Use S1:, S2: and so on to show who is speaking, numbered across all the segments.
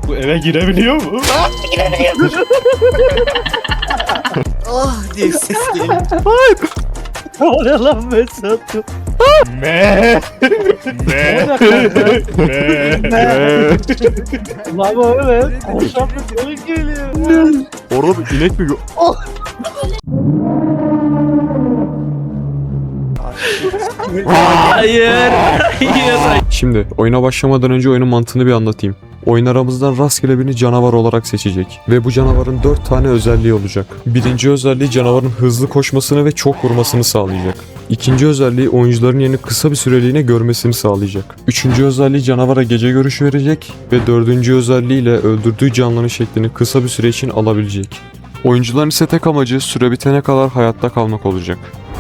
S1: Bu eve girebiliyor mu?
S2: Ah diye ses geliyor.
S3: Ne oluyor lan Mesut?
S1: Me.
S3: Ne oluyor kanka? Lan öyle. Koşan bir koyun geliyor.
S4: Orada bir inek mi?
S5: Hayır. Hayır.
S4: Şimdi oyuna başlamadan önce oyunun mantığını bir anlatayım. Oyun aramızdan rastgele birini canavar olarak seçecek. Ve bu canavarın 4 tane özelliği olacak. Birinci özelliği canavarın hızlı koşmasını ve çok vurmasını sağlayacak. İkinci özelliği oyuncuların yeni kısa bir süreliğine görmesini sağlayacak. Üçüncü özelliği canavara gece görüşü verecek. Ve dördüncü özelliğiyle öldürdüğü canlının şeklini kısa bir süre için alabilecek. Oyuncuların ise tek amacı süre bitene kadar hayatta kalmak olacak.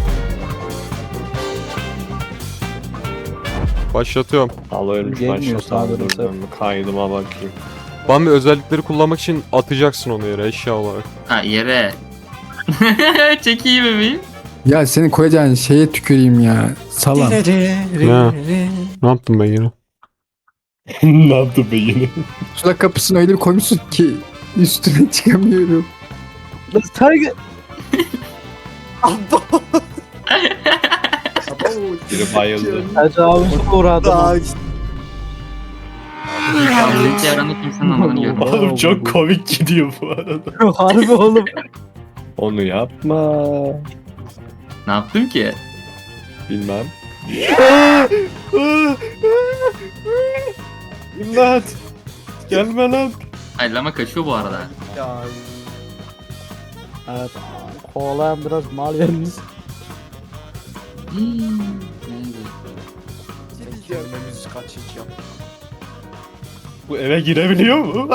S4: Başlatıyorum.
S1: Allah ölmüş
S3: Gelmiyor
S1: başlasam
S3: sağdan
S1: dur ben kaydıma bakayım.
S4: Bambi özellikleri kullanmak için atacaksın onu yere eşya olarak.
S5: Ha yere. Çekeyim bebeğim.
S6: Ya senin koyacağın şeye tüküreyim ya. Salam.
S4: Ne yaptım ben yine?
S1: Ne yaptın be yine?
S6: Sulak kapısını öyle bir koymuşsun ki üstüne çıkamıyorum.
S3: Lan sen
S1: Biri bayıldı.
S3: tecavüze uğradım.
S5: Kaldırıcı yaranı kimsenin anladığını görüyorum.
S1: Oğlum çok komik gidiyor bu arada.
S3: Harbi oğlum.
S1: Onu yapma.
S5: Ne yaptım ki?
S1: Bilmem. İmdat. Gelme lan.
S5: Ay lama kaçıyor bu arada.
S3: Evet. Kovalayan biraz mal yerimiz.
S2: Gelmemiz kaçacağım.
S1: Bu eve girebiliyor mu?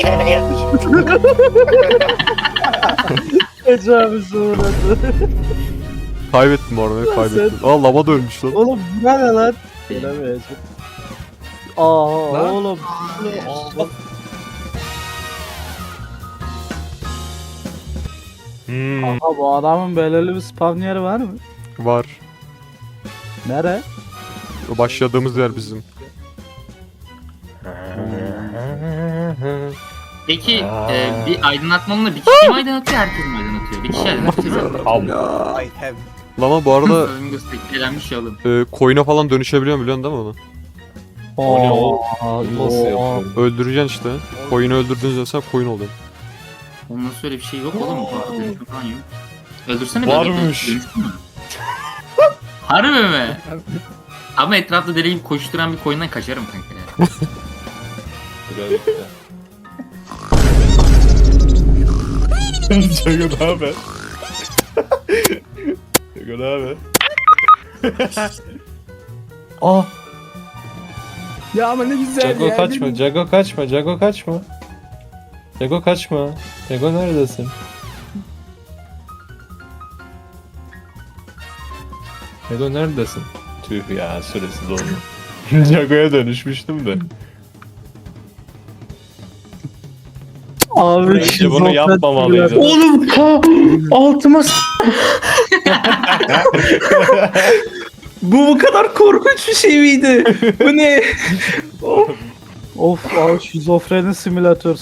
S3: Tecavüze uğradı.
S4: Kaybettim orada
S3: Lan
S4: kaybettim. Aa lava dönmüş lan.
S3: Oğlum bu ne lan? Bilemeyeceğim. Aa
S2: Lan.
S3: oğlum. Aha bu adamın belirli bir spawn yeri var mı?
S4: Var.
S3: Nere?
S4: Başladığımız yer bizim.
S5: Peki bir aydınlatma olunca bir kişi mi aydınlatıyor herkes mi aydınlatıyor? Bir kişi aydınlatıyor zaten.
S2: I have.
S4: Lama bu arada
S5: Flamingo eğlenmiş ya oğlum.
S4: koyuna falan dönüşebiliyor biliyorsun değil mi onu?
S1: O ne o?
S3: Nasıl
S1: yapıyorsun?
S4: Öldüreceksin işte. Koyunu öldürdüğünüz mesela koyun oluyor.
S5: Onun nasıl öyle bir şey yok oğlum. Dönüşüm falan yok. Öldürsene
S1: Varmış.
S5: dönüşüm mü? Harbi mi? Ama etrafta deli gibi koşturan bir koyundan kaçarım kanka ya.
S1: Jago ne haber? Jago ne haber?
S3: Ah
S6: Ya ama ne güzel
S1: Jago
S6: ya.
S1: kaçma, Jago kaçma, Jago kaçma. Jago kaçma. Jago neredesin? Jago neredesin? Tüh ya süresi doldu. Jago'ya dönüşmüştüm de.
S3: abi
S1: Bence bunu yapmamalıydı.
S5: Oğlum altıma bu kadar korkunç bir şey miydi? Bu ne?
S3: Of abi şizofreni simülatör.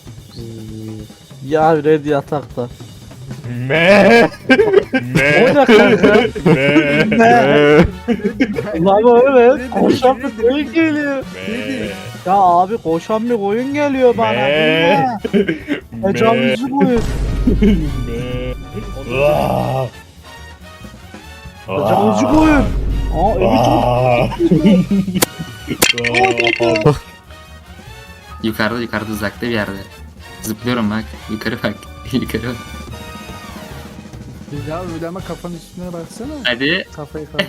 S3: Ya red yatakta.
S1: Me.
S3: O ne kanka?
S1: Me.
S3: Lan öyle. Koşan bir koyun geliyor.
S1: Me.
S3: Ya abi koşan bir koyun geliyor bana.
S1: Me.
S3: Bu ne? Tecavüzcü koyun. Tecavüzcü koyun. Aa evi çok...
S5: Yukarıda uzakta bir yerde. Zıplıyorum bak. Yukarı bak. Yukarı bak.
S6: Ya öyle ama kafanın üstüne baksana.
S5: Hadi.
S6: Kafayı kaldır.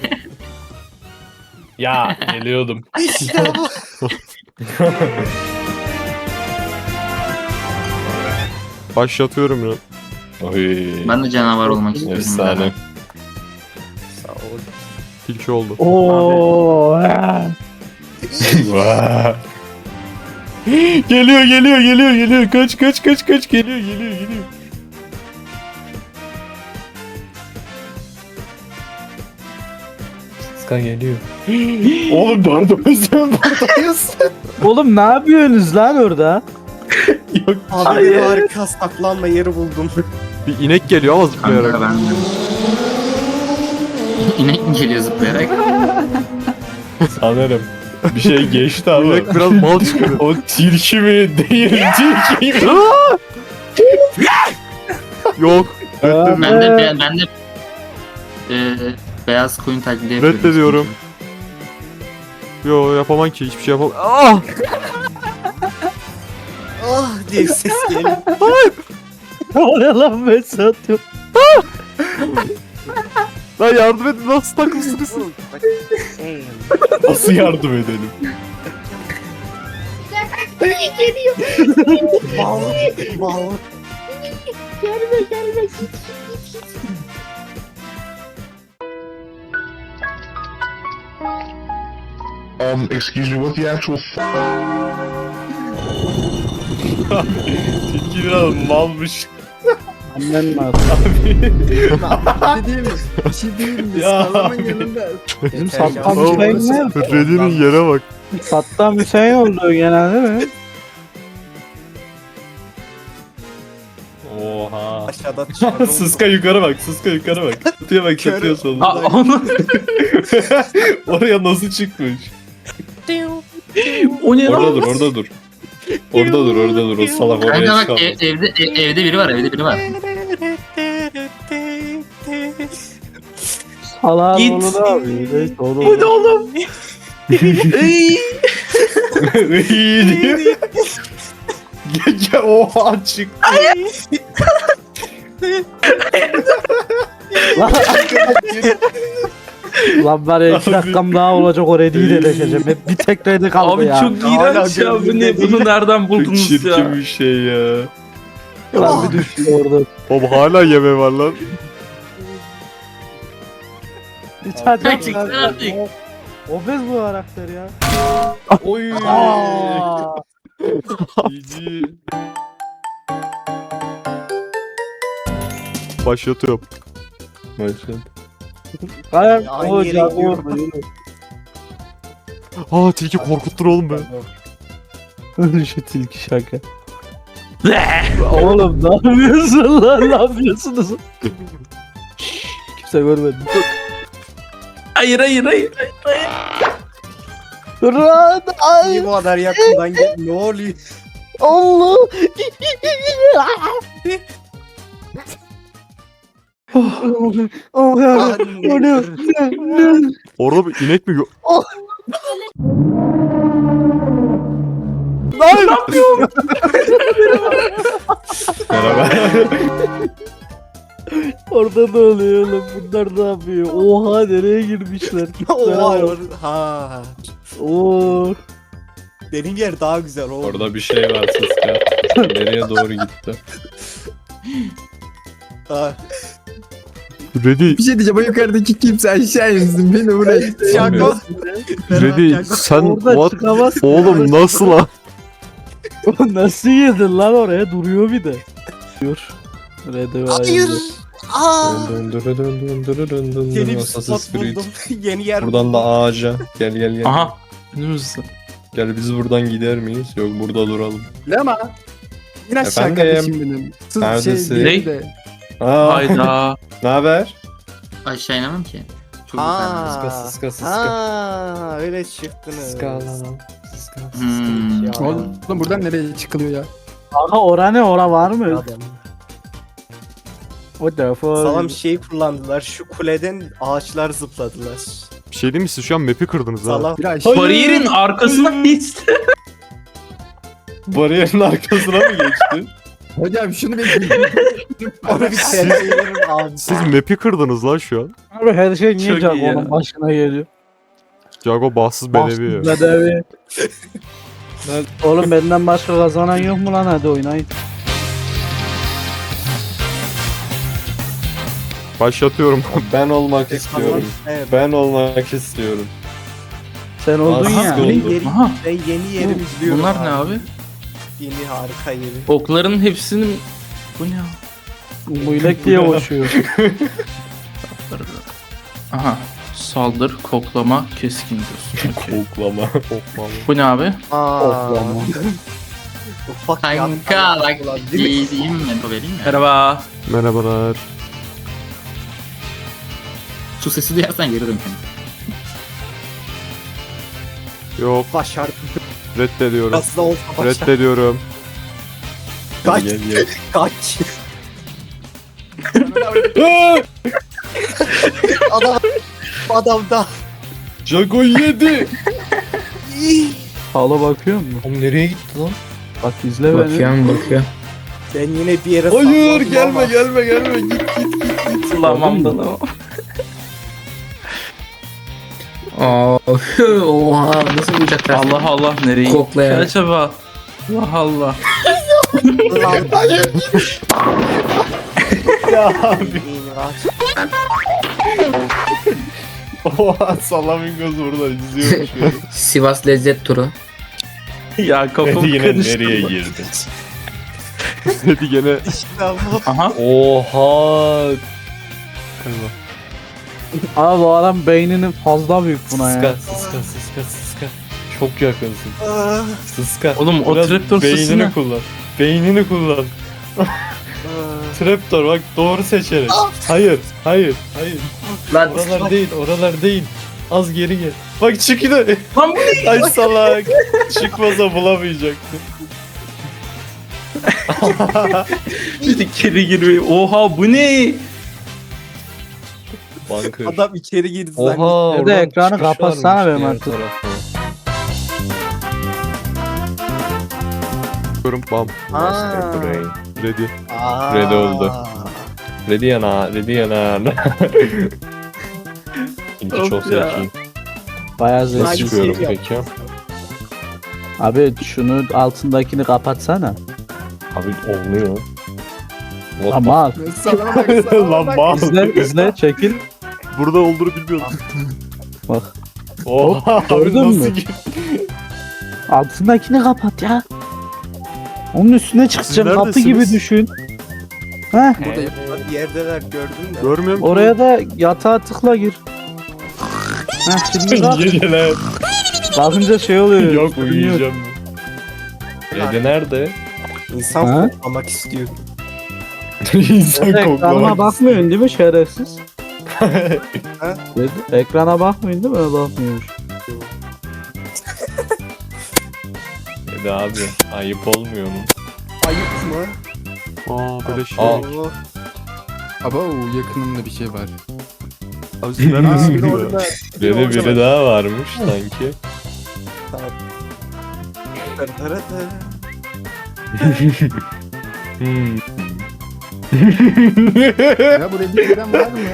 S1: Ya geliyordum.
S4: Başlatıyorum ya.
S1: Oy.
S5: Ben de canavar olmak istiyorum.
S1: Efsane.
S2: Sağ ol.
S4: Tilki oldu.
S3: Ooo.
S1: Vaa. Geliyor. Kaç. Geliyor. Ska geliyor. Oğlum buradayız.
S3: Oğlum ne yapıyorsunuz lan orada?
S1: Yok.
S2: Abi bir harika saklanma yeri buldum.
S4: Bir inek geliyor ama zıplayarak.
S5: Kanka ben de. İnek mi geliyor zıplayarak?
S1: Sanırım. Bir şey geçti
S4: Bu
S1: ama.
S4: inek biraz mal çıkıyor.
S1: O tilki mi değil tilki mi?
S4: Yok. Reddediyorum.
S5: Ben de beyaz koyun taklidi yapıyorum.
S4: Reddediyorum. Yo yapamam ki hiçbir şey yapamam. Ah!
S2: Ah diye ses geliyor.
S3: O ne lan ben satıyorum.
S4: Lan yardım edin nasıl takılsınız?
S1: Nasıl yardım edelim?
S2: Bal. Bal.
S7: Excuse me, what the actual
S1: Tilki biraz malmış.
S3: Annen mi attı?
S6: Bir şey değil mi? Bir şey değil mi?
S1: Ya.
S6: Sağlamın yanında.
S3: Bizim
S2: Yeter
S3: sattan
S2: ya.
S3: Hüseyin ne?
S4: Reddy'nin yere bak.
S3: Sattan Hüseyin oldu genelde mi?
S1: Oha.
S2: Aşağıda çıkalım.
S1: Sıska yukarı bak, Sıska yukarı bak. Çatıya bak, çatıya solda.
S5: Aa, onu...
S1: Oraya nasıl çıkmış?
S5: o ne
S1: Orada
S5: lan?
S1: dur, orada dur. Orada dur, orada dur. O salak oraya
S5: Kanka bak
S1: çıkamaz.
S5: evde biri var, evde biri var.
S3: Salağın
S5: Git.
S3: oğlu da abi. Neyse oğlum.
S5: Bu ne oğlum?
S1: İyi diyor. Gel oha çık.
S3: Lan var ya 2 dakikam daha olacak o Reddy'yi de leşeceğim. Hep bir tek Reddy kaldı
S5: Abi
S3: ya.
S5: çok iğrenç ya bu ne? Bunu nereden
S1: Çok
S5: buldunuz
S1: çirkin
S5: ya?
S1: bir şey ya.
S3: Lan bir düştü orada.
S4: Oğlum hala yeme var lan.
S3: Bir tane
S5: Gerçekten artık.
S3: Obez bu karakter ya.
S1: Oy.
S3: Aa.
S1: İyi.
S4: Başlatıyorum.
S1: Başladı.
S3: Hayır.
S2: Aynı
S3: O
S2: yere
S3: Jago
S2: gidiyorum.
S3: orada yürü.
S4: Aa tilki korkuttur oğlum be.
S3: Şu tilki şaka. Oğlum ne yapıyorsun lan? Ne yapıyorsunuz? Kimse görmedi.
S5: Hayır.
S3: Lan ay
S2: Niye bu kadar yakından gel? Ne oluyor?
S3: Allah. Oh ya. O ne? Ne?
S4: Orada bir inek mi gö...
S1: Merhaba.
S3: Orada ne oluyor oğlum? Bunlar ne yapıyor? Oha nereye girmişler?
S2: Oha. Ha.
S3: Oo.
S2: Benim yer daha güzel oğlum.
S1: Orada bir şey var Sıska. Nereye doğru gitti?
S2: Ha.
S4: Reddy,
S6: Bir şey diyeceğim. O yukarıdaki kimse aşağı insin. Beni buraya.
S2: Jago.
S4: Reddy sen
S3: Orada
S4: what?
S3: çıkamaz.
S4: Oğlum nasıl lan?
S3: Nasıl yedin lan oraya? Duruyor bir de. Diyor. Red'e
S2: Hayır. Aa.
S1: Assassin's
S2: Yeni bir spot
S1: Creed.
S2: buldum. Yeni yer
S1: Buradan da ağaca. Gel.
S5: Aha. Önümüzde.
S1: Gel biz buradan gider miyiz? Yok burada duralım.
S6: Ne ama? İn aşağı
S1: Efendim?
S6: kardeşim benim. Sız
S1: Neredesin?
S6: şey değil
S5: Ne?
S6: de.
S1: Aa,
S5: Hayda.
S1: ne haber?
S5: Aşağı inemem ki. Çok
S2: Ha.
S1: Sıska.
S2: Ha, öyle çıktınız.
S5: Hmm.
S2: Ya.
S6: Oğlum buradan nereye çıkılıyor ya?
S3: Aha ora ne? Ora var mı?
S2: Adam.
S3: What the fuck?
S2: Sağlam şey kullandılar. Şu kuleden ağaçlar zıpladılar.
S4: Bir şey değil mi siz şu an map'i kırdınız ha?
S2: Sağlam.
S6: Bir aşağı.
S5: Bariyerin arkasına geçti.
S1: Bariyerin arkasına mı geçtin?
S6: Hocam şunu bir
S2: Onu bir tercihlerim abi.
S4: Siz map'i kırdınız lan şu an.
S3: Abi her şey niye
S5: Çok iyi
S3: Jago'nun
S5: ya.
S3: başına geliyor?
S4: Jago bahtsız bedevi ya.
S3: Bedevi. Oğlum benden başka kazanan yok mu lan hadi oynayın.
S4: Başlatıyorum.
S1: Ben olmak istiyorum.
S2: Evet.
S1: Ben olmak istiyorum.
S3: Sen oldun
S1: Bahtsız
S3: ya.
S1: oldu.
S2: Yeni,
S5: Aha.
S2: ben yeni yerimi izliyorum.
S5: Bunlar ne abi?
S2: Yeni harika yeri.
S5: Okların hepsinin... Bu ne ya?
S3: Muylek diye koşuyor.
S5: Aha. Saldır, koklama, keskin diyorsun. Okey.
S1: Koklama.
S5: Bu ne abi?
S2: Aa. Ufak
S5: Kanka bak
S2: ulan, değil mi?
S5: diyeyim mi? Mento vereyim mi?
S3: Merhaba.
S4: Merhabalar.
S5: Su sesi duyarsan geri dön kanka.
S4: Yok,
S2: Başardım.
S4: reddediyorum.
S2: Biraz da olsa başardım.
S4: Reddediyorum.
S2: Kaç.
S1: Gel gel.
S2: Kaç. adam. Adam da.
S1: Jago yedi.
S3: Hala bakıyor musun?
S1: Oğlum nereye gitti lan?
S3: Bak izle beni.
S6: Bakıyor.
S2: Ben yine bir yere
S1: Hayır
S2: sakladım
S1: gelme
S2: ama.
S1: gelme git.
S3: Tamam da lan.
S6: Oha nasıl bulacaklar?
S3: Allah Allah nereye?
S6: Koklayan.
S3: Acaba. Allah Allah.
S2: Lan.
S1: Ya abi.
S2: İyi, aç.
S1: Oha Salamingos burada izliyormuş beni.
S6: Sivas lezzet turu.
S3: Ya kafam
S1: Dedi yine
S3: karıştı.
S1: nereye girdi?
S4: Dedi gene.
S2: Ya bu-
S3: Aha.
S1: Oha.
S3: Abi bu adam beyninin fazla büyük buna ya.
S1: Sıska. Çok yakınsın.
S2: Ah,
S1: Sıska.
S3: Oğlum o
S1: Biraz
S3: traptor sesi
S1: beynini
S3: ne?
S1: kullan. Beynini kullan.
S2: ah.
S1: Traptor bak doğru seçenek. Hayır.
S6: Lan
S1: Oralar değil. Az geri gel. Bak çıktı.
S3: Lan bu
S1: Ay salak. Çıkmasa bulamayacaktı.
S3: bir de geri giriyor. Oha bu ne?
S1: Banker.
S2: Adam içeri girdi zannetti.
S1: Oha.
S3: Nerede
S1: oradan
S3: ekranı
S1: çıkış
S3: kapatsana
S1: varmış
S3: benim
S1: diğer
S3: artık.
S1: tarafa.
S4: Bam.
S2: Aa.
S4: Ready.
S2: Aa.
S1: Red oldu. Ready yana. İnci çok
S3: Of ya.
S1: zeki.
S3: Bayağı
S1: Nasıl
S2: Nice.
S3: zevkli.
S1: çıkıyorum
S2: Zeki
S1: peki?
S3: Abi şunu altındakini kapatsana.
S1: Abi olmuyor. What
S3: Ama
S6: sana bak
S1: the-
S6: sana
S1: Lan
S6: bak.
S1: mal.
S3: izle çekil.
S4: Burada olduğunu bilmiyordum.
S3: Bak
S1: Oha abi
S3: gördün
S1: nasıl
S3: mü?
S1: gitti?
S3: altındakini kapat ya. Onun üstüne çıkacağım kapı
S4: neredesiniz?
S3: gibi düşün. Heh,
S2: Bir yerdeler gördün mü?
S4: Görmüyorum.
S3: oraya da yatağa tıkla gir. Heh, şimdi bak.
S1: Geceler.
S3: Bakınca şey oluyor.
S1: Yok
S3: görünüyor.
S1: uyuyacağım. Rede nerede?
S2: İnsan
S3: Ha?
S2: koklamak istiyor.
S1: İnsan
S3: Ekrana
S1: koklamak.
S3: bakmıyorsun değil mi şerefsiz?
S2: Ha?
S3: Dedi, ekrana bakmıyorsun değil mi? Bakmıyormuş.
S1: Rede abi ayıp olmuyor mu?
S2: Ayıp mı?
S4: Aa böyle şey.
S1: Aa.
S2: Oo.
S6: Aba yakınımda bir şey var.
S4: Abi siz neredesiniz
S2: Biri
S4: ya?
S2: orada.
S1: Rede biri daha varmış sanki. Hmm.
S6: Ya buraya bir giren var mı?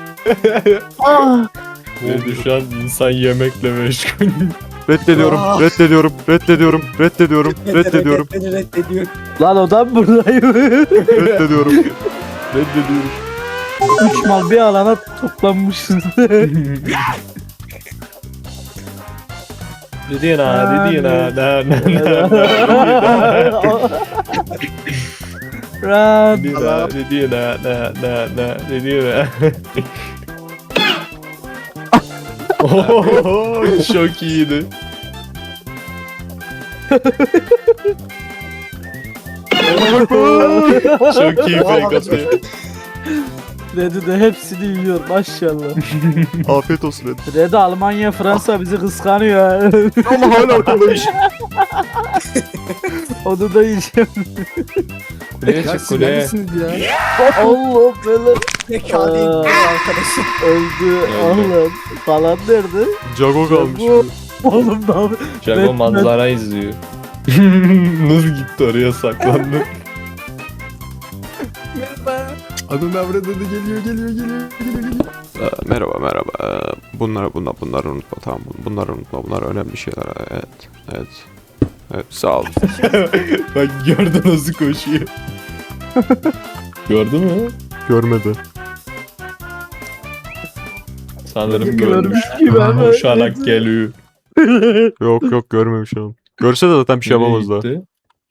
S1: Rede şu an insan yemekle meşgul.
S4: Reddediyorum.
S2: Aa.
S4: Reddediyorum. Reddediyorum.
S2: Reddediyor.
S3: Lan o da buradayım.
S4: Reddediyorum.
S3: 3 mal bir alana toplanmışsın.
S1: Dedi na.
S3: Run.
S1: Dedi na. Oho, çok iyiydi. Çok iyi fake atıyor.
S3: Red'i de hepsini yiyor maşallah.
S4: Afiyet olsun Red.
S3: Red Almanya Fransa bizi kıskanıyor.
S4: Ama hala ortadayım.
S3: Onu da yiyeceğim.
S1: Kuleye
S6: Ya
S1: çık
S6: siz
S1: kuleye.
S6: neredesiniz ya?
S3: Allah belanı.
S2: Zekalı
S3: Aa.
S2: arkadaşım.
S3: Öldü. Allah. Falan nerede?
S4: Jago kalmış.
S3: Bu. Oğlum ne yapıyor?
S1: Jago manzara izliyor. Nasıl gitti oraya saklandı?
S6: Adın avradı da geliyor.
S4: Merhaba. Bunları unutma tamam. Bunları unutma. Bunlar önemli şeyler. Evet. Sağ ol.
S1: Bak gördün nasıl koşuyor. Gördün mü?
S4: Görmedi.
S1: Sanırım
S3: Görmüş
S1: görmüş.
S3: gibi ama.
S1: Koşarak geliyor.
S4: Yok görmemiş şu an. Görse de zaten bir şey yapamaz da.
S1: Gitti.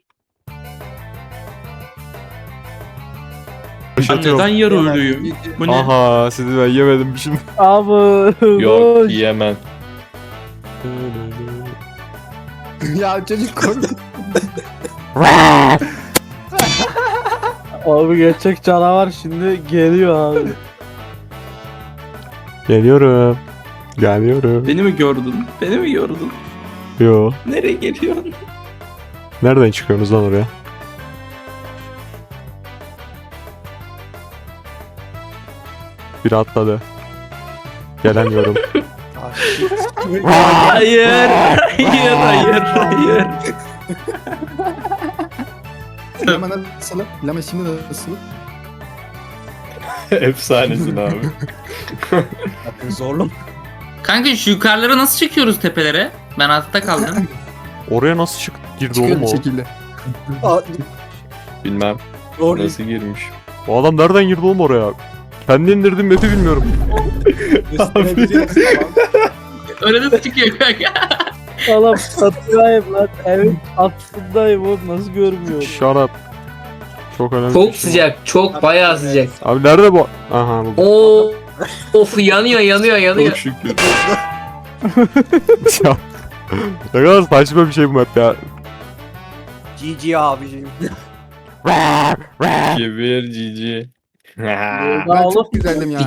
S3: Neden yarı ölüyüm? Bu ne?
S4: Aha sizi ben yemedim şimdi.
S3: Abi.
S1: Yok
S3: boş.
S1: yiyemem.
S6: Ya çocuk korktu.
S3: Abi gerçek canavar şimdi geliyor abi.
S4: Geliyorum. Geliyorum.
S8: Beni mi gördün? Beni mi gördün?
S4: Yo.
S8: Nereye geliyorsun?
S4: Nereden çıkıyorsunuz lan oraya? Biri atladı. Gelemiyorum.
S2: Ah, shit.
S8: Hayır. Hayır. Hayır. Hayır.
S6: Lama nasıl? Lama şimdi nasıl?
S1: Efsanesin abi.
S2: Bakın zorlu.
S5: Kanka şu yukarılara nasıl çıkıyoruz tepelere? Ben altta kaldım.
S4: Oraya nasıl girdi oğlum
S6: Çıkıyor bir
S4: o?
S6: şekilde.
S2: Aa,
S1: Bilmem
S2: Zorlu.
S1: nasıl girmiş.
S4: O adam nereden girdi oğlum oraya? Kendi indirdim map'i bilmiyorum.
S2: Üstüne biri tamam.
S5: Öyle de çıkıyor kanka.
S3: Oğlum çatıdayım lan. Evin altındayım oğlum nasıl görmüyorum.
S4: Shut up. Çok önemli.
S8: Çok sıcak. Çok bayağı sıcak.
S4: Abi nerede bu? Aha bu.
S8: Oo. Of yanıyor.
S1: Çok şükür.
S4: Ya. Ne kadar saçma bir şey bu map ya.
S2: GG abicim.
S1: Gebir cici.
S3: Daha
S6: Ben
S3: oğlum.
S6: çok güzeldim ya.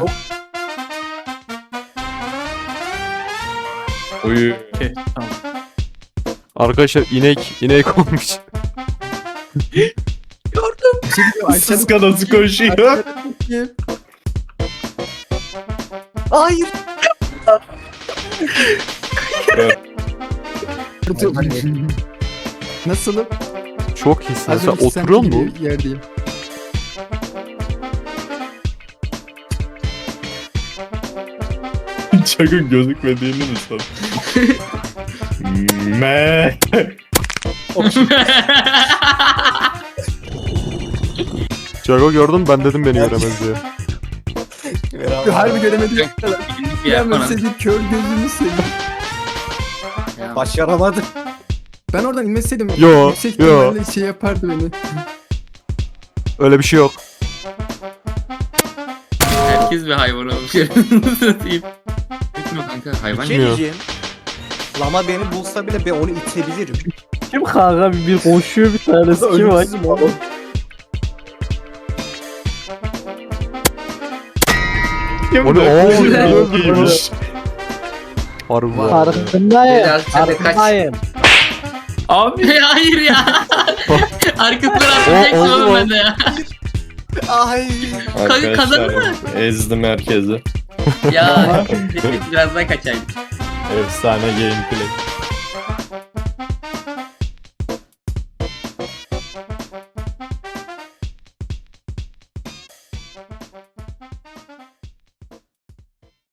S1: Uyu.
S4: Arkadaşlar inek olmuş.
S6: Bir şey diyeyim, Ayşe
S1: Sıska nasıl koşuyor?
S2: Hayır.
S6: Nasılım?
S4: Çok hissin.
S6: Az
S4: Sen
S6: önce sen
S4: oturuyor musun?
S6: gibi yerdeyim.
S1: Çakın gözükmediğini mi san? Me.
S4: Jago gördüm ben dedim beni göremez diye.
S6: Harbi göremedim.
S5: Bir yer
S6: Ben
S5: falan.
S6: senin kör gözünü seveyim.
S5: Ya,
S2: Başaramadı.
S6: Ben oradan inmeseydim
S4: Yo,
S6: yüksek
S4: yo.
S6: ihtimalle şey yapardı beni.
S4: Öyle bir şey yok.
S5: Herkes bir hayvan olmuş. Satayım. Gitme kanka hayvan.
S2: Bir şey
S4: Bilmiyorum.
S2: diyeceğim. Lama beni bulsa bile ben onu itebilirim.
S3: Kim kanka bir koşuyor bir tanesi kim var?
S2: Ölümsüzüm oğlum.
S4: O ne? Oo,
S1: Çok iyiymiş.
S4: harbi var.
S3: Farkındayım.
S8: Biraz sen de kaç.
S3: Farkındayım.
S8: Abi.
S5: Hayır ya. Arkasından
S4: O-
S5: atlayacaksın
S4: oldu
S5: oğlum
S4: mu?
S5: ben de ya.
S2: Ay.
S5: kazandı
S1: Arkadaşlar ezdim herkesi.
S5: Ya. Keşke biraz daha kaçaydım.
S1: Efsane gameplay.